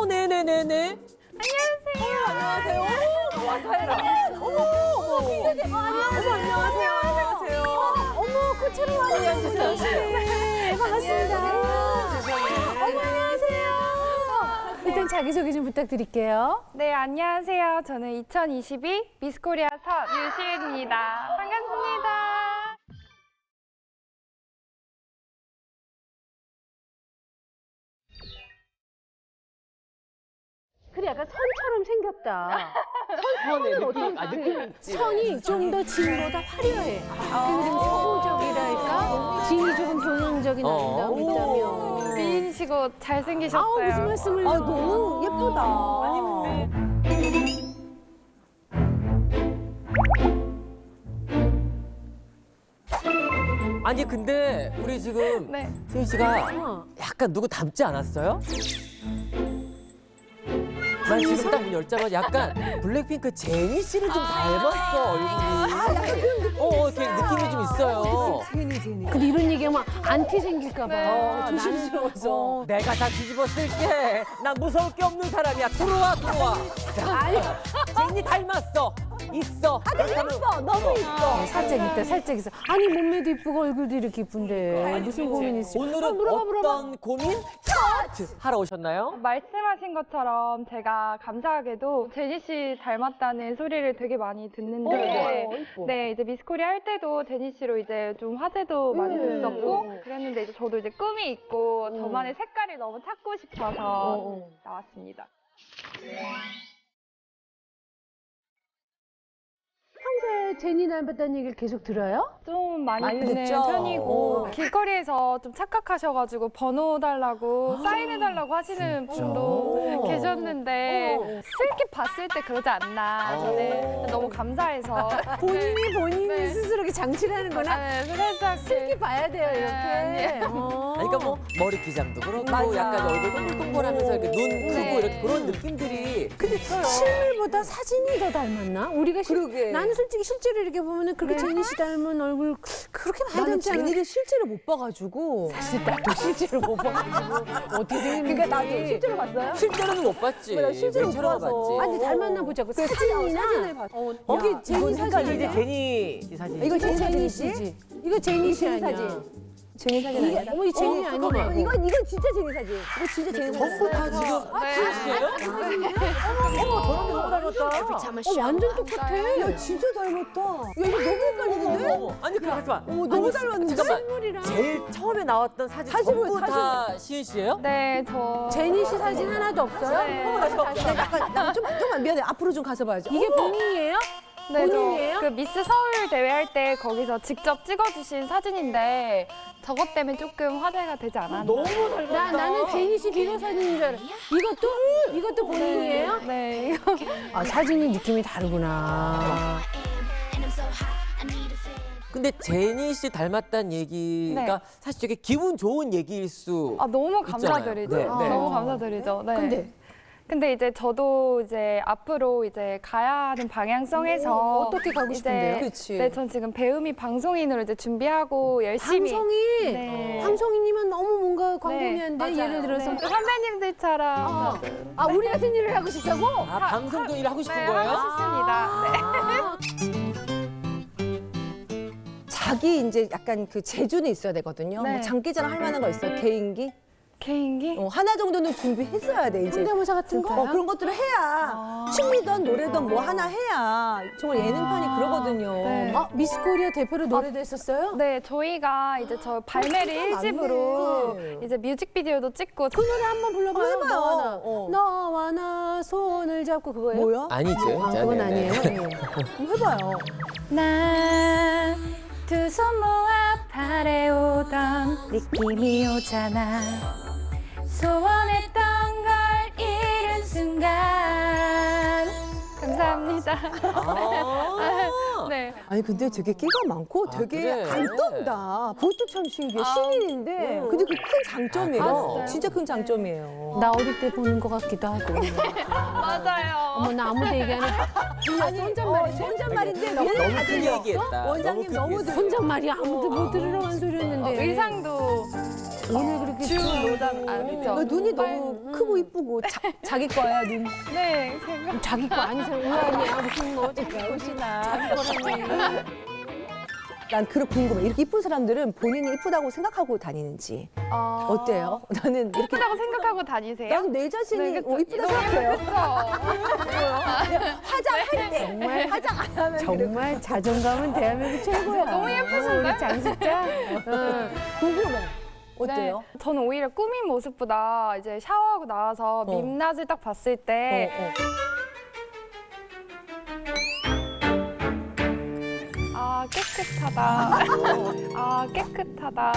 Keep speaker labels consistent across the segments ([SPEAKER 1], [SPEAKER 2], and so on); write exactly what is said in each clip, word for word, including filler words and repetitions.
[SPEAKER 1] 어, 네네네네.
[SPEAKER 2] 안녕하세요.
[SPEAKER 1] 안녕하세요. 와, 다혜라. 어머, 어머, 기대돼. 어머, 안녕하세요. 안녕하세요.
[SPEAKER 2] 어머, 꽃처럼 많이 앉으세요. 네, 반갑습니다.
[SPEAKER 1] 세상에.
[SPEAKER 2] 어머, 안녕하세요. 일단 자기소개 좀 부탁드릴게요.
[SPEAKER 3] 네, 안녕하세요. 저는 이천이십이 미스코리아 선 유시은입니다. 반갑습니다.
[SPEAKER 2] 그래, 약간 선처럼 생겼다.
[SPEAKER 1] 선의 느낌, 아, 느낌 있지.
[SPEAKER 2] 선이 좀 더 진보다 화려해. 그리고 좀 서구적이랄까? 진이 조금 동양적인
[SPEAKER 1] 어.
[SPEAKER 2] 아름다움이 있다면.
[SPEAKER 3] 미인이시고 잘생기셨어요.
[SPEAKER 2] 아우, 무슨 말씀을.
[SPEAKER 4] 아, 너무 예쁘다.
[SPEAKER 1] 아니, 근데. 아니, 근데 우리 지금
[SPEAKER 3] 네.
[SPEAKER 1] 수인 씨가
[SPEAKER 2] 어.
[SPEAKER 1] 약간 누구 닮지 않았어요? 난 지금 딱 문 열자마자 약간 블랙핑크 제니 씨를 좀 닮았어, 얼굴이.
[SPEAKER 4] 아, 약간 그런 느낌.
[SPEAKER 1] 어, 어, 이렇게 느낌이 좀 있어요.
[SPEAKER 4] 제니, 제니.
[SPEAKER 2] 근데 이런 얘기하면 안티 생길까봐.
[SPEAKER 3] 네.
[SPEAKER 2] 조심스러워서.
[SPEAKER 1] 내가 다 뒤집어 쓸게. 난 무서울 게 없는 사람이야. 들어와, 들어와.
[SPEAKER 2] 아니,
[SPEAKER 1] 제니 닮았어. 있어.
[SPEAKER 4] 아, 되게 예뻐. 너무 예뻐.
[SPEAKER 2] 네, 살짝 있다, 살짝 있어. 아니, 몸매도 이쁘고 얼굴도 이렇게 이쁜데. 무슨 고민이 있어?
[SPEAKER 1] 오늘은
[SPEAKER 2] 물어봐, 물어봐.
[SPEAKER 1] 어떤 고민? 차트 하러 오셨나요?
[SPEAKER 3] 말씀하신 것처럼 제가 감사하게도 제니 씨 닮았다는 소리를 되게 많이 듣는데
[SPEAKER 4] 어, 예뻐.
[SPEAKER 3] 네, 이제 미스코리아 할 때도 제니 씨로 이제 좀 화제도 많이
[SPEAKER 4] 음.
[SPEAKER 3] 됐었고 그랬는데 이제 저도 이제 꿈이 있고
[SPEAKER 4] 음.
[SPEAKER 3] 저만의 색깔을 너무 찾고 싶어서
[SPEAKER 4] 어.
[SPEAKER 3] 나왔습니다.
[SPEAKER 2] 평소에 제니 닮았다는 얘기를 계속 들어요?
[SPEAKER 3] 좀 많이,
[SPEAKER 4] 많이
[SPEAKER 3] 듣는
[SPEAKER 4] 듣죠?
[SPEAKER 3] 편이고
[SPEAKER 4] 어.
[SPEAKER 3] 길거리에서 좀 착각하셔가지고 번호 달라고 사인해달라고 하시는 분도
[SPEAKER 1] 어.
[SPEAKER 3] 계셨는데
[SPEAKER 4] 어.
[SPEAKER 3] 슬기 봤을 때 그러지 않나 저는 너무 감사해서
[SPEAKER 2] 본인이 본인이
[SPEAKER 3] 네.
[SPEAKER 2] 스스로 이렇게 장치를 하는구나.
[SPEAKER 3] 네, 살짝
[SPEAKER 2] 슬기 봐야 돼요,
[SPEAKER 3] 네,
[SPEAKER 2] 이렇게. 어.
[SPEAKER 1] 아니, 그러니까 뭐 머리 기장도 그렇고
[SPEAKER 4] 맞아.
[SPEAKER 1] 약간 얼굴 동글동글하면서 이렇게 눈 크고
[SPEAKER 3] 네.
[SPEAKER 1] 이렇게 그런 느낌들이
[SPEAKER 2] 근데 실물보다 사진이 더 닮았나? 우리가 실,
[SPEAKER 4] 그러게.
[SPEAKER 2] 나는 솔직히 실제로 이렇게 보면은 그렇게
[SPEAKER 3] 네.
[SPEAKER 2] 제니 씨 닮은 얼굴 그렇게 많이
[SPEAKER 4] 나는
[SPEAKER 2] 닮지 않아.
[SPEAKER 4] 제니를 실제로 못 봐가지고.
[SPEAKER 2] 사실 나도 실제로 못 봐가지고 어떻게 생겼는지.
[SPEAKER 4] 그러니까 나도 실제로 봤어요?
[SPEAKER 1] 실제로는 못 봤지.
[SPEAKER 4] 나 실제로 못
[SPEAKER 1] 맨처럼
[SPEAKER 4] 봐서.
[SPEAKER 1] 봤지.
[SPEAKER 2] 아니 닮았나 보자고.
[SPEAKER 4] 그
[SPEAKER 2] 사진이나
[SPEAKER 4] 사진을 봤어.
[SPEAKER 2] 어,
[SPEAKER 4] 야,
[SPEAKER 2] 이게 제니
[SPEAKER 4] 이건
[SPEAKER 2] 사진이야.
[SPEAKER 4] 헷갈리네.
[SPEAKER 1] 제니 이 사진.
[SPEAKER 4] 이거
[SPEAKER 2] 이거
[SPEAKER 4] 제니
[SPEAKER 2] 제니
[SPEAKER 4] 사진이지?
[SPEAKER 2] 씨지. 이거 제니 씨
[SPEAKER 4] 제니
[SPEAKER 2] 아니야.
[SPEAKER 4] 사진. 제니 사진
[SPEAKER 2] 이게
[SPEAKER 4] 아니야?
[SPEAKER 2] 어머 이 제니
[SPEAKER 4] 어,
[SPEAKER 2] 아니야.
[SPEAKER 4] 잠깐만. 이건 이건 진짜 제니 사진. 이거 진짜 제니 사진.
[SPEAKER 1] 전부 다 지금
[SPEAKER 3] 네.
[SPEAKER 1] 제니씨예요?
[SPEAKER 4] 어머, 저런 게 너무 닮았다.
[SPEAKER 2] 어 완전 똑같아.
[SPEAKER 4] 야, 진짜 닮았다. 야, 이거 너무 헷갈리는데?
[SPEAKER 1] 어머, 어머. 아니, 그래, 하지마.
[SPEAKER 4] 어머, 너무 닮았는데?
[SPEAKER 1] 잠깐만.
[SPEAKER 2] 실물이랑
[SPEAKER 1] 제일 처음에 나왔던 사진
[SPEAKER 4] 사진을,
[SPEAKER 1] 전부
[SPEAKER 4] 사진을.
[SPEAKER 1] 다 시은 씨예요?
[SPEAKER 3] 네, 저
[SPEAKER 2] 제니 씨 사진 하나도 없어요?
[SPEAKER 3] 네.
[SPEAKER 4] 어머, 나 잠깐, 나 약간, 나 좀, 좀만 미안해. 앞으로 좀 가서 봐야지.
[SPEAKER 2] 이게 본인이에요?
[SPEAKER 3] 네,
[SPEAKER 2] 본인이에요?
[SPEAKER 3] 저 그 미스 서울 대회 할 때 거기서 직접 찍어주신 사진인데 저것 때문에 조금 화제가 되지 않았나.
[SPEAKER 1] 너무 닮았다.
[SPEAKER 2] 나 나는 제니 씨 비교 사진인 줄 알아. 이것도 이것도 본인이에요?
[SPEAKER 3] 네, 이거
[SPEAKER 2] 아 사진이 느낌이 다르구나.
[SPEAKER 1] 근데 제니 씨 닮았다는 얘기가
[SPEAKER 3] 네.
[SPEAKER 1] 사실 되게 기분 좋은 얘기일 수.
[SPEAKER 3] 아, 너무
[SPEAKER 1] 있잖아요.
[SPEAKER 3] 감사드리죠.
[SPEAKER 1] 네,
[SPEAKER 3] 아,
[SPEAKER 1] 네.
[SPEAKER 3] 너무 감사드리죠. 네.
[SPEAKER 2] 근데
[SPEAKER 3] 근데 이제 저도 이제 앞으로 이제 가야 하는 방향성에서
[SPEAKER 2] 음, 어떻게 가고 싶은데요?
[SPEAKER 3] 이제
[SPEAKER 4] 그치.
[SPEAKER 3] 네, 전 지금 배우미 방송인으로 이제 준비하고 열심히
[SPEAKER 2] 방송이
[SPEAKER 3] 네.
[SPEAKER 2] 방송인이면 너무 뭔가 광범위한데
[SPEAKER 3] 맞아요.
[SPEAKER 2] 예를 들어서
[SPEAKER 3] 네. 선배님들처럼
[SPEAKER 2] 어. 아 우리 같은 일을 하고 싶다고?
[SPEAKER 1] 아, 방송도 일 하고 싶은
[SPEAKER 3] 네,
[SPEAKER 1] 거예요?
[SPEAKER 3] 하고 싶습니다. 네.
[SPEAKER 2] 아,
[SPEAKER 4] 자기 이제 약간 그 재주는 있어야 되거든요.
[SPEAKER 3] 네.
[SPEAKER 4] 뭐 장기자랑 할 만한 거 있어요? 개인기?
[SPEAKER 3] 개인기?
[SPEAKER 4] 어, 하나 정도는 준비했어야 돼, 이제.
[SPEAKER 2] 성대모사 같은 거?
[SPEAKER 4] 어, 그런 것들을 해야 춤이든 노래든 뭐 하나 해야 정말 예능판이 그러거든요.
[SPEAKER 3] 네.
[SPEAKER 2] 아 미스 코리아 대표로 노래도 했었어요?
[SPEAKER 3] 네, 저희가 이제 저 발매를 일 집으로
[SPEAKER 4] 많네.
[SPEAKER 3] 이제 뮤직비디오도 찍고
[SPEAKER 2] 그 노래 한번 불러봐요.
[SPEAKER 4] 한번 해봐요.
[SPEAKER 2] 너와 나.
[SPEAKER 4] 어.
[SPEAKER 2] 너와 나 손을 잡고 그거예요?
[SPEAKER 4] 뭐야?
[SPEAKER 1] 아니죠.
[SPEAKER 2] 아, 그건
[SPEAKER 1] 네, 네.
[SPEAKER 2] 아니에요.
[SPEAKER 4] 한번 해봐요.
[SPEAKER 3] 나 두 손 모아 바래오던 느낌이 오잖아 소원했던 걸 잃은 순간 감사합니다.
[SPEAKER 1] 아,
[SPEAKER 3] 네.
[SPEAKER 4] 아니 근데 되게 끼가 많고
[SPEAKER 1] 아,
[SPEAKER 4] 되게
[SPEAKER 1] 그래?
[SPEAKER 4] 안 떤다. 그것도 참 신기해. 신인인데
[SPEAKER 1] 음.
[SPEAKER 4] 근데 그 큰 장점이에요.
[SPEAKER 1] 아, 진짜요?
[SPEAKER 4] 진짜 큰 장점이에요.
[SPEAKER 2] 나 어릴 때 보는 것 같기도 하고.
[SPEAKER 3] 맞아요.
[SPEAKER 2] 어머 나 아무도 얘기 안 해.
[SPEAKER 4] 아니 혼잣말이 혼잣말인데
[SPEAKER 1] 너무
[SPEAKER 4] 얘는 다
[SPEAKER 1] 크게
[SPEAKER 4] 들려.
[SPEAKER 1] 얘기했다.
[SPEAKER 4] 원장님
[SPEAKER 1] 너무
[SPEAKER 4] 너무
[SPEAKER 1] 크게
[SPEAKER 4] 들려.
[SPEAKER 2] 혼잣말이 아무도 못 들으러 간
[SPEAKER 3] 어,
[SPEAKER 2] 소리였는데.
[SPEAKER 3] 의상도
[SPEAKER 2] 오늘 그렇게
[SPEAKER 3] 준로장 알죠?
[SPEAKER 4] 그 눈이 너무 크고 이쁘고 자, 자기 거야 눈.
[SPEAKER 3] 네, 제가
[SPEAKER 2] 자기 거 아닌 사람 우아하냐 무슨 뭐 자기 것이나 자기 거라니.
[SPEAKER 4] 난 그런 궁금해. 이렇게 이쁜 사람들은 본인이 이쁘다고 생각하고 다니는지
[SPEAKER 3] 어...
[SPEAKER 4] 어때요? 나는 이렇게
[SPEAKER 3] 예쁘다고 생각하고 다니세요?
[SPEAKER 4] 난 내 자신이
[SPEAKER 3] 네, 그쵸.
[SPEAKER 4] 어, 이쁘다
[SPEAKER 3] 너무
[SPEAKER 4] 생각해요.
[SPEAKER 3] 예쁘죠?
[SPEAKER 4] 화장할 때
[SPEAKER 2] 정말
[SPEAKER 4] 화장 안 하면
[SPEAKER 2] 정말 자존감은 대한민국 최고야.
[SPEAKER 3] 너무 예쁘신데?
[SPEAKER 2] 우리 장식자. 응.
[SPEAKER 4] 궁금해. 어때요?
[SPEAKER 3] 네, 저는 오히려 꾸민 모습보다 이제 샤워하고 나와서
[SPEAKER 4] 어.
[SPEAKER 3] 민낯을 딱 봤을 때
[SPEAKER 4] 어, 어.
[SPEAKER 3] 아, 깨끗하다. 아, 깨끗하다.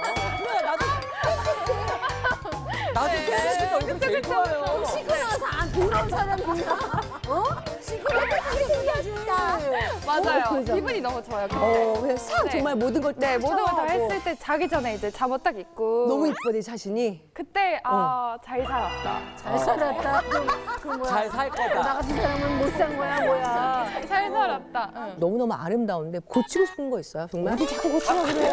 [SPEAKER 5] 나도 깨끗이 얼굴 제일 좋아요.
[SPEAKER 4] 시끄러워서 안 더러운 사람이야. 어? 시끄러워서 생겨진다.
[SPEAKER 3] 맞아요.
[SPEAKER 4] 어, 그죠?
[SPEAKER 3] 기분이 너무 좋아요. 그때.
[SPEAKER 4] 어, 그냥 싹
[SPEAKER 3] 네.
[SPEAKER 4] 정말 모든 걸
[SPEAKER 3] 네, 모든 걸 다
[SPEAKER 4] 샤워하고.
[SPEAKER 3] 했을 때 자기 전에 이제 잠옷 딱 입고
[SPEAKER 4] 너무 이뻐 내 자신이.
[SPEAKER 3] 그때 아, 잘 살았다.
[SPEAKER 2] 잘 살았다. 그 뭐야?
[SPEAKER 5] 잘 살
[SPEAKER 2] 나
[SPEAKER 5] 거다.
[SPEAKER 2] 같은 사람은 못 산 거야 뭐야?
[SPEAKER 3] 잘 살았다. 응.
[SPEAKER 4] 너무너무 아름다운데 고치고 싶은 거 있어요? 정말?
[SPEAKER 2] 어디 자꾸 고치라 그래?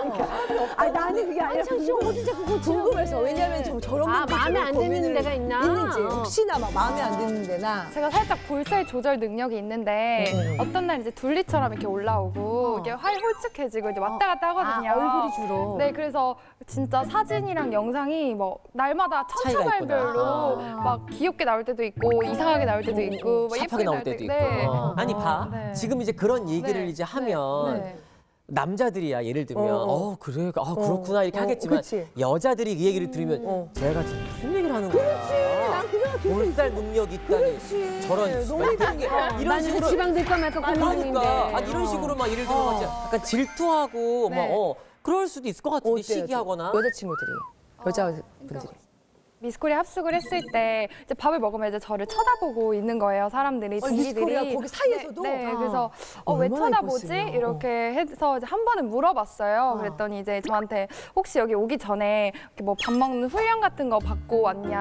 [SPEAKER 4] 아니 나는 그게 아니라
[SPEAKER 2] 한창 씨가 어디 자꾸 고치라
[SPEAKER 4] 궁금해서. 왜냐면 좀 저런
[SPEAKER 2] 아,
[SPEAKER 4] 분들
[SPEAKER 2] 마음에
[SPEAKER 4] 좀
[SPEAKER 2] 안 드는
[SPEAKER 4] 고민을
[SPEAKER 2] 데가 있나?
[SPEAKER 4] 있는지
[SPEAKER 2] 어.
[SPEAKER 4] 혹시나 막 마음에 안 드는 데나.
[SPEAKER 3] 제가 살짝 볼살 조절 능력이 있는데
[SPEAKER 4] 음.
[SPEAKER 3] 어떤 날 이제 둘리처럼 이렇게 올라오고
[SPEAKER 2] 어.
[SPEAKER 3] 이게 활 홀쭉해지고 이제 왔다 갔다 하거든요.
[SPEAKER 2] 아, 얼굴이 주로.
[SPEAKER 3] 네, 그래서 진짜 사진이랑 영상이 뭐 날마다
[SPEAKER 5] 차이가
[SPEAKER 3] 천차만별로
[SPEAKER 2] 있구나.
[SPEAKER 3] 막 귀엽게 나올 때도 있고 이상하게 나올 때도 있고 막
[SPEAKER 5] 샤프하게
[SPEAKER 3] 예쁘게
[SPEAKER 5] 나올 때도 있고.
[SPEAKER 3] 네.
[SPEAKER 5] 어. 아니 봐.
[SPEAKER 3] 네.
[SPEAKER 5] 지금 이제 그런 얘기를
[SPEAKER 3] 네.
[SPEAKER 5] 이제 하면
[SPEAKER 3] 네.
[SPEAKER 5] 남자들이야 예를 들면
[SPEAKER 4] 어,
[SPEAKER 5] 어,
[SPEAKER 4] 어.
[SPEAKER 5] 그래 아 그렇구나 이렇게
[SPEAKER 4] 어,
[SPEAKER 5] 하겠지만
[SPEAKER 4] 그치.
[SPEAKER 5] 여자들이 그 얘기를 들으면
[SPEAKER 4] 어.
[SPEAKER 5] 제가 지금 무슨 얘기를 하는 거야?
[SPEAKER 4] 난 그 생각 계속
[SPEAKER 5] 볼살 능력 있다니
[SPEAKER 4] 그렇지.
[SPEAKER 5] 저런
[SPEAKER 4] 너무
[SPEAKER 5] 이런 게 이런
[SPEAKER 2] 나는
[SPEAKER 5] 식으로
[SPEAKER 2] 지방 될까 말까 고민 중인데.
[SPEAKER 5] 그러니까 아니 이런 식으로 막 예를 들면 막 약간 질투하고
[SPEAKER 3] 네.
[SPEAKER 5] 막 어, 그럴 수도 있을 것 같은데
[SPEAKER 4] 어때요?
[SPEAKER 5] 시기하거나
[SPEAKER 4] 여자친구들이 여자분들이
[SPEAKER 3] 미스코리아 합숙을 했을 때 이제 밥을 먹으면 이제 저를 쳐다보고 있는 거예요. 사람들이
[SPEAKER 4] 어,
[SPEAKER 3] 동기들이.
[SPEAKER 4] 미스코리아 거기 사이에서도?
[SPEAKER 3] 네, 네.
[SPEAKER 4] 아.
[SPEAKER 3] 그래서 어, 왜
[SPEAKER 4] 얼마나
[SPEAKER 3] 쳐다보지?
[SPEAKER 4] 예뻤으면.
[SPEAKER 3] 이렇게 해서 이제 한 번은 물어봤어요. 그랬더니 이제 저한테 혹시 여기 오기 전에 이렇게 뭐 밥 먹는 훈련 같은 거 받고 왔냐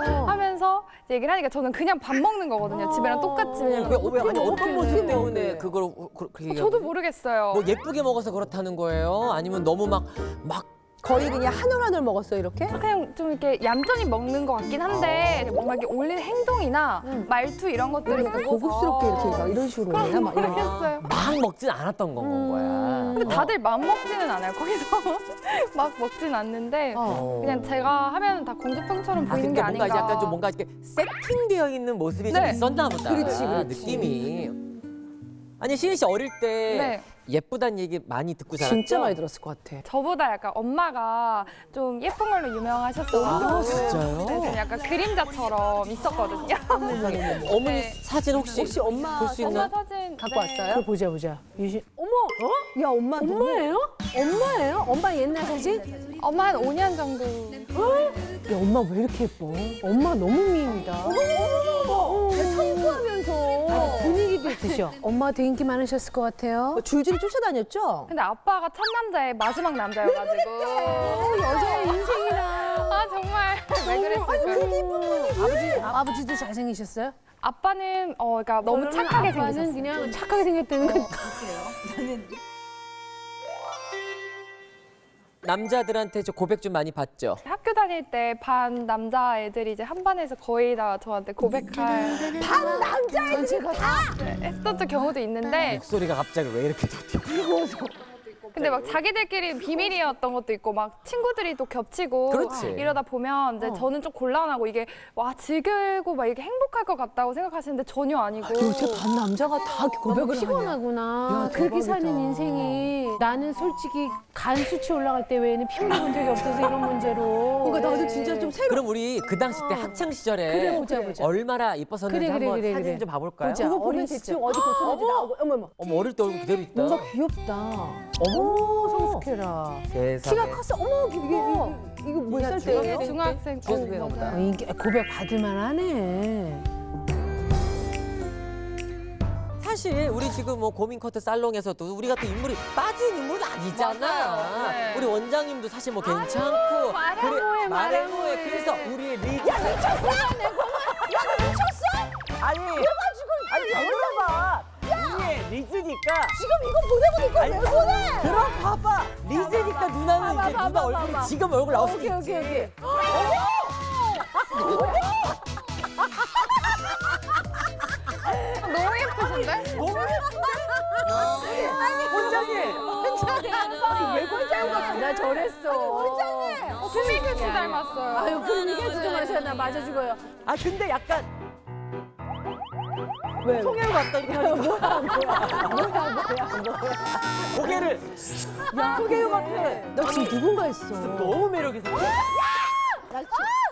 [SPEAKER 3] 하면서 이제 얘기를 하니까 저는 그냥 밥 먹는 거거든요. 집이랑 똑같이.
[SPEAKER 5] 왜,
[SPEAKER 3] 왜냐면
[SPEAKER 5] 왜 아니 어떤 모습 때문에
[SPEAKER 4] 먹는데?
[SPEAKER 5] 그걸 그- 그렇게 얘기하는
[SPEAKER 3] 저도
[SPEAKER 5] 거예요?
[SPEAKER 3] 모르겠어요.
[SPEAKER 5] 뭐 예쁘게 먹어서 그렇다는 거예요? 아니면 너무 막막
[SPEAKER 4] 거의 그냥 한 올 한 올 먹었어 이렇게?
[SPEAKER 3] 그냥 좀 이렇게 얌전히 먹는 것 같긴 한데 뭔가 이렇게 올리는 행동이나 말투 이런 것들을
[SPEAKER 4] 약간
[SPEAKER 3] 보고서
[SPEAKER 4] 고급스럽게 이렇게 막 이런 식으로 오나 막 이런.
[SPEAKER 3] 모르겠어요.
[SPEAKER 5] 막 먹진 않았던 건, 건 거야.
[SPEAKER 3] 근데 다들 맘 먹지는 않아요. 거기서 막 먹진 않는데
[SPEAKER 5] 어.
[SPEAKER 3] 그냥 제가 하면 다 공주병처럼
[SPEAKER 5] 아,
[SPEAKER 3] 보이는 게
[SPEAKER 5] 근데 뭔가
[SPEAKER 3] 아닌가.
[SPEAKER 5] 이제 약간 좀 뭔가 이렇게 세팅되어 있는 모습이 좀
[SPEAKER 3] 네.
[SPEAKER 5] 있었나 보다.
[SPEAKER 4] 그렇지, 그렇지.
[SPEAKER 5] 느낌이. 아니 시은 씨 어릴 때
[SPEAKER 3] 네.
[SPEAKER 5] 예쁘단 얘기 많이 듣고 자랐죠?
[SPEAKER 4] 진짜 많이 들었을 것 같아.
[SPEAKER 3] 저보다 약간 엄마가 좀 예쁜 걸로 유명하셨어요.
[SPEAKER 5] 아, 진짜요?
[SPEAKER 3] 네, 좀 약간 그림자처럼 있었거든요.
[SPEAKER 5] 어머니
[SPEAKER 3] 네.
[SPEAKER 5] 사진 혹시,
[SPEAKER 4] 혹시 엄마
[SPEAKER 5] 볼 수
[SPEAKER 3] 엄마
[SPEAKER 5] 있나?
[SPEAKER 3] 사진
[SPEAKER 4] 갖고
[SPEAKER 3] 네.
[SPEAKER 4] 왔어요?
[SPEAKER 2] 그거 보자 보자. 유신. 어머, 어?
[SPEAKER 4] 야 엄마 너무
[SPEAKER 2] 엄마예요? 엄마예요? 엄마 옛날 사진?
[SPEAKER 3] 엄마 한 오 년 정도.
[SPEAKER 2] 야 엄마 왜 이렇게 예뻐? 엄마 너무 미인이다.
[SPEAKER 4] 청소하면서
[SPEAKER 2] 분위기도 있으셔. 엄마 되게 인기 많으셨을 것 같아요.
[SPEAKER 4] 뭐 줄줄이 쫓아다녔죠?
[SPEAKER 3] 근데 아빠가 첫 남자의 마지막 남자여가지고.
[SPEAKER 2] 여자의 인생이라.
[SPEAKER 3] 아 정말 왜 그랬을까?
[SPEAKER 2] 아버지, 아버지도 잘생기셨어요?
[SPEAKER 3] 아빠는 어 그러니까 너무 착하게
[SPEAKER 2] 아빠는
[SPEAKER 3] 생기셨어요.
[SPEAKER 2] 그냥 착하게 생겼다는 거.
[SPEAKER 5] 남자들한테 저 고백 좀 많이 받죠?
[SPEAKER 3] 학교 다닐 때 반 남자 애들이 이제 한 반에서 거의 다 저한테 고백할
[SPEAKER 4] 반 남자애들이
[SPEAKER 2] 전체가 다.
[SPEAKER 3] 네, 했었던 경우도 있는데
[SPEAKER 5] 목소리가 갑자기 왜 이렇게 더 튀어?
[SPEAKER 3] 근데 막 자기들끼리 비밀이었던 것도 있고 막 친구들이 또 겹치고
[SPEAKER 5] 그렇지.
[SPEAKER 3] 이러다 보면 이제 저는 좀 곤란하고 이게 와 즐기고 막 이게 행복할 것 같다고 생각하시는데 전혀 아니고
[SPEAKER 4] 요새 반 남자가 다 이렇게
[SPEAKER 2] 너무
[SPEAKER 4] 고백을 하냐?
[SPEAKER 2] 피곤하구나.
[SPEAKER 4] 야,
[SPEAKER 2] 그렇게
[SPEAKER 4] 대박이다.
[SPEAKER 2] 사는 인생이 나는 솔직히 간 수치 올라갈 때 외에는 피 흘려본 적이 없어서 이런 문제로.
[SPEAKER 4] 그러니까 나도 진짜 좀 새로
[SPEAKER 5] 그럼 우리 그 당시 때 학창 시절에
[SPEAKER 2] 그래, 보자, 보자.
[SPEAKER 5] 얼마나 이뻤었는지
[SPEAKER 2] 그래, 그래,
[SPEAKER 5] 한번
[SPEAKER 2] 그래,
[SPEAKER 5] 사진
[SPEAKER 2] 그래.
[SPEAKER 5] 좀 봐볼까요?
[SPEAKER 2] 보자.
[SPEAKER 4] 그거 보면
[SPEAKER 2] 어린 시절.
[SPEAKER 4] 대충 어디 고쳤는지 나오고 어머 어머
[SPEAKER 5] 어머 어릴 때 얼굴 그대로 있다.
[SPEAKER 4] 뭔가 귀엽다.
[SPEAKER 2] 어머 성숙해라.
[SPEAKER 5] 세상에.
[SPEAKER 4] 키가 컸어. 어머 이게 이게 이거 몇 살
[SPEAKER 3] 이게
[SPEAKER 4] 때예요?
[SPEAKER 3] 중학생
[SPEAKER 5] 중학생인가
[SPEAKER 3] 어,
[SPEAKER 5] 보다.
[SPEAKER 3] 맞아요.
[SPEAKER 2] 어, 이게 고백 받을 만하네.
[SPEAKER 5] 사실 우리 지금 뭐 고민 커트 살롱에서도 우리가 또 인물이 빠진 인물은 아니잖아.
[SPEAKER 3] 맞아요. 네.
[SPEAKER 5] 우리 원장님도 사실 뭐 괜찮고
[SPEAKER 2] 마량호해,
[SPEAKER 5] 마량호해. 그래서 우리의 리기. 야 미쳤어? 야 너 미쳤어? 아니. 그래가지고 아니 물어봐. 우리의 리즈니까
[SPEAKER 4] 지금 이거 보내고
[SPEAKER 5] 아니,
[SPEAKER 4] 니까 왜 보내?
[SPEAKER 5] 들어봐봐. 리즈니까 누나는
[SPEAKER 4] 봐봐,
[SPEAKER 5] 이제
[SPEAKER 4] 봐봐,
[SPEAKER 5] 누나
[SPEAKER 4] 봐봐.
[SPEAKER 5] 얼굴이 지금 얼굴 나올 수도
[SPEAKER 4] 오케이,
[SPEAKER 5] 있지.
[SPEAKER 4] 오케이, 오케이.
[SPEAKER 3] 너무 예쁘신데?
[SPEAKER 5] 너무 원장님.
[SPEAKER 4] 왜 꼴짱 같아? 나 저랬어. 원장님.
[SPEAKER 3] 수미규 씨 닮았어요.
[SPEAKER 4] 아유, 그럼 이게 진짜 마셔. 나 맞아 죽어요.
[SPEAKER 5] 아 근데 약간
[SPEAKER 4] 왜?
[SPEAKER 5] 송혜로 같다 이렇게 하니까
[SPEAKER 4] 뭐야, 뭐야, 뭐야, 뭐야.
[SPEAKER 5] 고개를
[SPEAKER 4] 야, 소개요 같아. 너 지금 누군가 했어.
[SPEAKER 5] 너무 매력 있어.
[SPEAKER 4] 나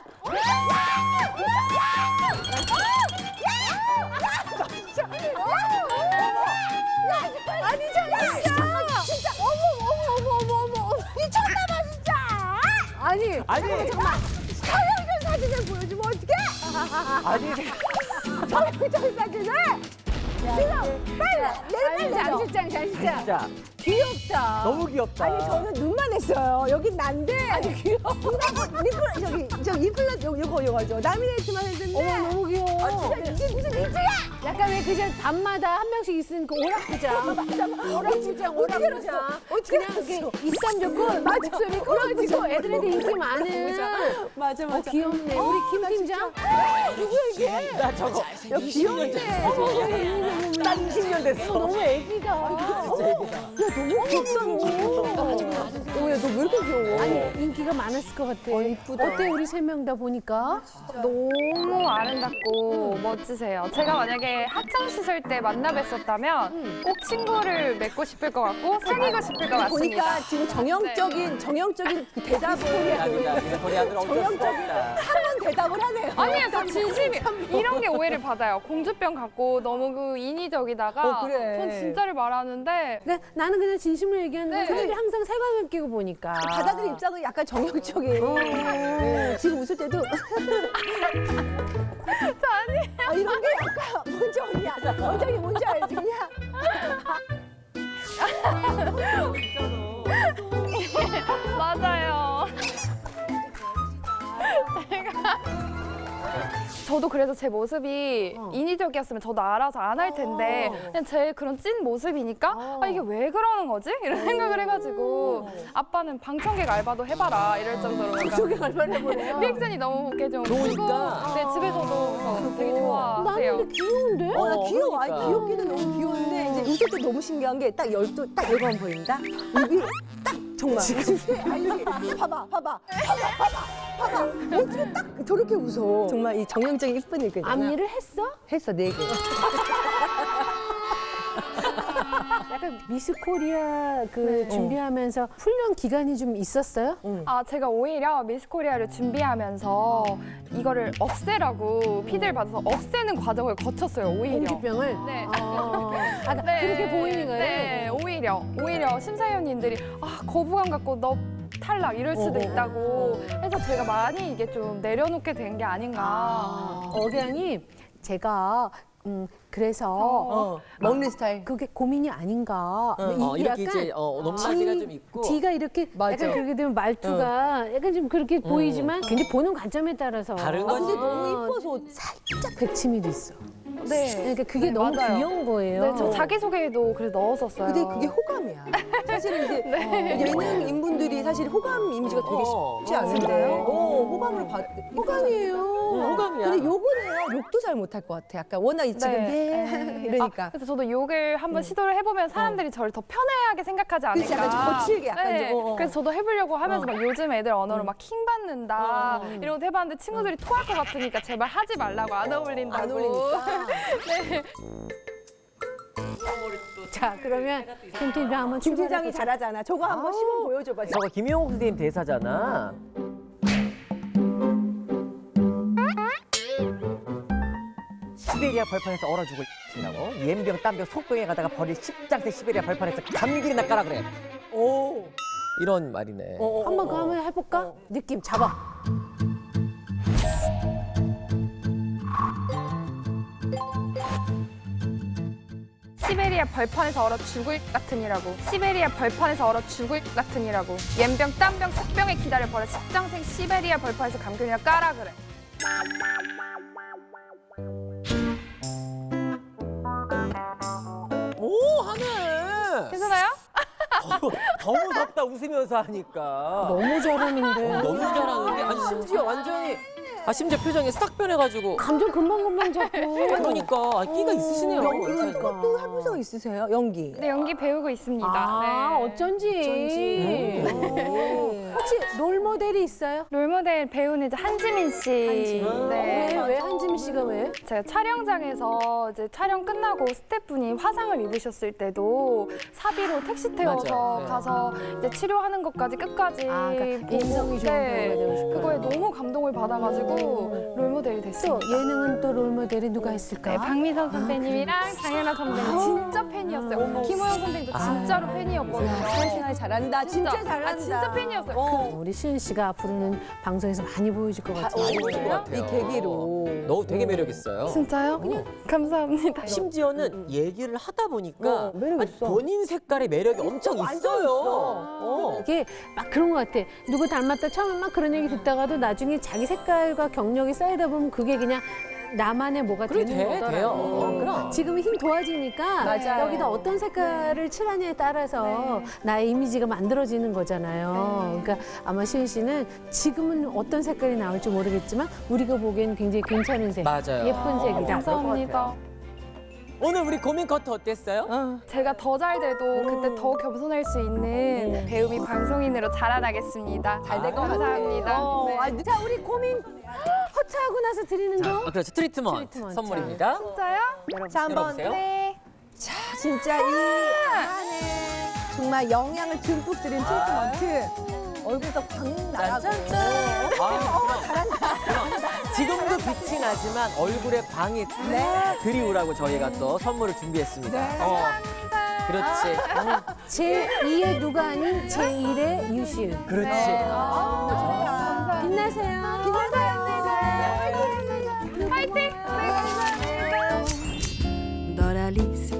[SPEAKER 4] 아니 진짜 진짜 어머 어머 어머 어머 어머 미쳤나봐 진짜. 아니
[SPEAKER 5] 아니
[SPEAKER 4] 서영준 사진을 보여주면 어떡해?
[SPEAKER 5] 아니
[SPEAKER 4] 서영준 사진을 지금 빨리 내려 빨리 장실장 장실장
[SPEAKER 5] 진짜
[SPEAKER 4] 귀엽다.
[SPEAKER 5] 너무 귀엽다.
[SPEAKER 4] 아니 저는 눈만 했어요. 여긴 난데. 아니 귀여워. 누나 리플 저기 저 리플렛 요 요거 요거죠. 라미네이트만 했는데. 어머 너무 귀여워. 아, 진짜 이게 무슨 리즈야? 약간 왜 그냥 밤마다 한 명씩 있으니까 그 오락부장. 맞아 맞아. 오락부장 오락부장. 어떻게 그냥 이렇게 입담 좋고 목소리 커가지고 애들한테 인기 많은. 맞아 맞아. 어, 귀엽네. 우리 김 팀장. 누구야 이게?
[SPEAKER 5] 나 저거
[SPEAKER 4] 야 귀엽네. 어머
[SPEAKER 5] 난 이십 년 됐어.
[SPEAKER 4] 너무 애기다.
[SPEAKER 5] 진짜 애기다.
[SPEAKER 4] 야 너무 귀엽다 너. 야 너 왜 이렇게 귀여워?
[SPEAKER 2] 아니 인기가 많았을 것 같아.
[SPEAKER 4] 어, 이쁘다.
[SPEAKER 2] 어때 우리 세 명 다 보니까?
[SPEAKER 3] 너무 아름답고 멋지세요. 제가 만약에 학창 시절 때 만나 뵀었다면 꼭 친구를 맺고 싶을 것 같고 사귀고 싶을 것 같습니다.
[SPEAKER 4] 보니까 지금 정형적인 정형적인 그 대답을
[SPEAKER 5] 아니다. 우리 아들 어쩔 수가 없다.
[SPEAKER 4] 상원 대답을 하네요.
[SPEAKER 3] 아니에요, 저 진심이 이런 게 오해를 받아요. 공주병 갖고 너무 그 인위적이다가
[SPEAKER 4] 어, 그래.
[SPEAKER 3] 전 진짜를 말하는데
[SPEAKER 2] 그러니까 나는 그냥 진심을 얘기하는데
[SPEAKER 3] 네.
[SPEAKER 2] 사람들이 항상 색안을 끼고 보니까.
[SPEAKER 4] 받아들인 입장은 약간 정형적인. 네, 지금 웃을 때도
[SPEAKER 3] 저 아니에요.
[SPEAKER 4] 아, 이런 게 약간 뭔지 언니야. 원장이 뭔지 알지? 그냥
[SPEAKER 3] 맞아요. 제가 저도 그래서 제 모습이 인위적이었으면 저도 알아서 안 할 텐데 그냥 제 그런 찐 모습이니까 아 이게 왜 그러는 거지? 이런 생각을 해가지고 아빠는 방청객 알바도 해봐라 이럴 정도로 방청객
[SPEAKER 4] 알바를 해보네요.
[SPEAKER 3] 리액션이 너무 이렇게 좀
[SPEAKER 5] 좋으니까.
[SPEAKER 3] 크고 네 집에서도 그래서 되게 좋아하세요.
[SPEAKER 2] 나는 근데 귀여운데?
[SPEAKER 4] 어, 나
[SPEAKER 5] 어,
[SPEAKER 4] 귀여워. 아니,
[SPEAKER 5] 그러니까.
[SPEAKER 4] 귀엽기는 너무 귀여운데 이제 웃을 때 너무 신기한 게 딱 열두 딱 열번 보인다. 입이 딱 정말 웃을 때 아니 여기 봐봐 봐봐 봐봐 봐봐 봐봐 어떻게 딱 저렇게 웃어. 정말 이 정형적인 이쁜 일거잖아.
[SPEAKER 2] 앞일을 했어?
[SPEAKER 4] 했어 네 개.
[SPEAKER 2] 약간 미스 코리아 그
[SPEAKER 4] 네.
[SPEAKER 2] 준비하면서 훈련 기간이 좀 있었어요?
[SPEAKER 3] 아 제가 오히려 미스 코리아를 준비하면서 이거를 없애라고 피드를 받아서 없애는 과정을 거쳤어요. 오히려.
[SPEAKER 2] 공주병을?
[SPEAKER 3] 네.
[SPEAKER 2] 어. 아, 나
[SPEAKER 3] 네.
[SPEAKER 2] 그렇게 보이는 거예요?
[SPEAKER 3] 네, 오히려 오히려 심사위원님들이 아 거부감 갖고 너 탈락 이럴 수도
[SPEAKER 4] 어, 어,
[SPEAKER 3] 있다고 해서 제가 많이 이게 좀 내려놓게 된 게 아닌가.
[SPEAKER 2] 억양이 제가 음 그래서
[SPEAKER 4] 어, 먹는 스타일.
[SPEAKER 2] 그게 고민이 아닌가. 이-
[SPEAKER 5] 어, 이렇게
[SPEAKER 2] 약간
[SPEAKER 5] 이제 어, 높낮이가 좀 있고.
[SPEAKER 2] 뒤가 이렇게
[SPEAKER 4] 맞아.
[SPEAKER 2] 약간 그렇게 되면 말투가 약간 좀 그렇게 보이지만 근데 보는 관점에 따라서
[SPEAKER 5] 다른
[SPEAKER 4] 아, 근데
[SPEAKER 5] 거지.
[SPEAKER 4] 너무 이뻐서
[SPEAKER 2] 살짝 백치미도 있어.
[SPEAKER 3] 네.
[SPEAKER 2] 그러니까 그게
[SPEAKER 3] 네,
[SPEAKER 2] 너무
[SPEAKER 3] 맞아요.
[SPEAKER 2] 귀여운 거예요.
[SPEAKER 3] 네, 저 자기소개에도 그래 넣었었어요.
[SPEAKER 4] 근데 그게 호감이야. 사실은 이제 예능 인분들이 사실 호감 이미지가 되게
[SPEAKER 5] 어,
[SPEAKER 4] 쉽지
[SPEAKER 5] 어,
[SPEAKER 4] 않은데.
[SPEAKER 3] 진짜요?
[SPEAKER 4] 어, 호감으로 받. 호감이에요.
[SPEAKER 5] 어, 호감이야.
[SPEAKER 4] 근데 욕은 해요. 욕도 잘 못할 것 같아. 약간 워낙 지금 네. 이러니까.
[SPEAKER 3] 아, 그래서 저도 욕을 한번 시도를 해보면 사람들이 저를 더 편애하게 생각하지 않을까.
[SPEAKER 4] 그치, 약간 좀 거칠게 약간
[SPEAKER 3] 네.
[SPEAKER 4] 좀, 어, 어.
[SPEAKER 3] 그래서 저도 해보려고 하면서 막 요즘 애들 언어로 막 킹 받는다 이런 것도 해봤는데 친구들이 토할 것 같으니까 제발 하지 말라고 안 어울린다고.
[SPEAKER 4] 안 어울리니까.
[SPEAKER 3] 네.
[SPEAKER 2] 자 그러면 김 팀장 한번
[SPEAKER 4] 김
[SPEAKER 2] 출발해
[SPEAKER 4] 팀장이 잘하잖아. 저거 한번 시범 보여줘봐.
[SPEAKER 5] 저거 김용옥 선생님 대사잖아. 시베리아 벌판에서 얼어 죽을 이라고 옌병 땀병 속병에 가다가 버릴 십장생 시베리아 벌판에서 감기나 까라 그래.
[SPEAKER 4] 오.
[SPEAKER 5] 이런 말이네.
[SPEAKER 4] 어, 어,
[SPEAKER 2] 한번
[SPEAKER 4] 어,
[SPEAKER 2] 그
[SPEAKER 4] 어.
[SPEAKER 2] 한번 해볼까? 느낌 잡아.
[SPEAKER 3] 시베리아 벌판에서 얼어 죽을 같으니라고. 시베리아 벌판에서 얼어 죽을 같으니라고. 옌병 땀병 속병에 기다려 버려 십장생 시베리아 벌판에서 감귤이나 까라 그래.
[SPEAKER 4] 오.
[SPEAKER 3] 괜찮아요?
[SPEAKER 5] 더, 더 무섭다 웃으면서 하니까.
[SPEAKER 2] 너무 저렴인데.
[SPEAKER 5] 어, 너무 잘하는데 아니 심지어 완전히 아 심지어 표정이 싹 변해가지고
[SPEAKER 2] 감정 금방금방 잡고.
[SPEAKER 5] 그러니까 아, 끼가 있으시네요.
[SPEAKER 4] 그러니까 또 해보성 있으세요? 연기.
[SPEAKER 3] 네, 연기 배우고 있습니다.
[SPEAKER 2] 아,
[SPEAKER 3] 네.
[SPEAKER 2] 어쩐지.
[SPEAKER 4] 음.
[SPEAKER 2] 혹시 롤 모델이 있어요?
[SPEAKER 3] 롤모델 배우는 이제 한지민 씨. 네.
[SPEAKER 2] 왜, 왜 한지민 씨가 왜?
[SPEAKER 3] 제가 촬영장에서 이제 촬영 끝나고 스태프분이 화상을 입으셨을 때도 사비로 택시 태워서
[SPEAKER 5] 맞아요. 네.
[SPEAKER 3] 가서 이제 치료하는 것까지 끝까지
[SPEAKER 2] 아, 그러니까
[SPEAKER 3] 보고,
[SPEAKER 2] 인성이 좋은 배우가 되고 싶어요.
[SPEAKER 3] 그거에 너무 감동을 받아가지고 롤모델이
[SPEAKER 2] 또
[SPEAKER 3] 됐습니다.
[SPEAKER 2] 예능은 또 롤 모델이 누가 있을까?
[SPEAKER 3] 네, 박미선 선배님이랑 장현아 선배님 진짜 팬이었어요. 김호영 선배님도 진짜로 팬이었거든요.
[SPEAKER 4] 사회생활 잘한다. 진짜, 잘한다.
[SPEAKER 3] 아, 진짜 팬이었어요.
[SPEAKER 4] 어.
[SPEAKER 2] 우리 시은 씨가 앞으로는 방송에서 많이 보여줄 것 같아요.
[SPEAKER 5] 많이 보실 것 같아요.
[SPEAKER 4] 이 계기로.
[SPEAKER 5] 너 되게 매력 있어요.
[SPEAKER 3] 진짜요? 감사합니다.
[SPEAKER 5] 심지어는 얘기를 하다 보니까
[SPEAKER 4] 어, 매력
[SPEAKER 5] 아니,
[SPEAKER 4] 있어.
[SPEAKER 5] 본인 색깔의 매력이 엄청
[SPEAKER 4] 완전
[SPEAKER 5] 있어요.
[SPEAKER 4] 있어.
[SPEAKER 5] 어.
[SPEAKER 2] 이게 막 그런 것 같아. 누구 닮았다 처음에 막 그런 얘기 듣다가도 나중에 자기 색깔과 경력이 쌓이다 보면 그게 그냥 나만의 뭐가
[SPEAKER 5] 그래,
[SPEAKER 2] 되는
[SPEAKER 5] 돼,
[SPEAKER 2] 거더라고.
[SPEAKER 5] 돼요. 어, 그럼.
[SPEAKER 2] 지금은 힘 도와지니까
[SPEAKER 4] 맞아요.
[SPEAKER 2] 여기다 어떤 색깔을 칠하냐에 따라서 나의 이미지가 만들어지는 거잖아요. 그러니까 아마 시은 씨는 지금은 어떤 색깔이 나올지 모르겠지만 우리가 보기엔 굉장히 괜찮은 색,
[SPEAKER 5] 맞아요.
[SPEAKER 2] 예쁜 색이다.
[SPEAKER 3] 감사합니다.
[SPEAKER 5] 오늘 우리 고민 커트 어땠어요?
[SPEAKER 3] 제가 더 잘 돼도 그때 더 겸손할 수 있는 배우미 방송인으로 자라나겠습니다.
[SPEAKER 4] 잘 될 것 같아요.
[SPEAKER 3] 감사합니다.
[SPEAKER 4] 어,
[SPEAKER 3] 네.
[SPEAKER 4] 아, 자, 우리 고민
[SPEAKER 2] 커트하고 나서 드리는 거?
[SPEAKER 5] 아, 그렇죠. 트리트먼트,
[SPEAKER 2] 트리트먼트.
[SPEAKER 5] 선물입니다.
[SPEAKER 3] 진짜요?
[SPEAKER 4] 자, 한번
[SPEAKER 5] 열어보세요.
[SPEAKER 3] 네.
[SPEAKER 4] 자, 진짜 이 안에 정말 영양을 듬뿍 들인 트리트먼트. 얼굴도 광 나라고.
[SPEAKER 5] 짠짠짠. 아, 잘한다. 지금도 빛이 나지만 얼굴에 광이 네. 들이우라고 저희가 또 선물을 준비했습니다. 어, 그렇지. 어,
[SPEAKER 2] 제이의 누가 아닌 제일의 유시은.
[SPEAKER 5] 그렇지.
[SPEAKER 4] 아, 좋다.
[SPEAKER 2] 빛나세요.
[SPEAKER 3] 빛나세요. 화이팅! 네, 감사합니다.
[SPEAKER 6] Dans la liste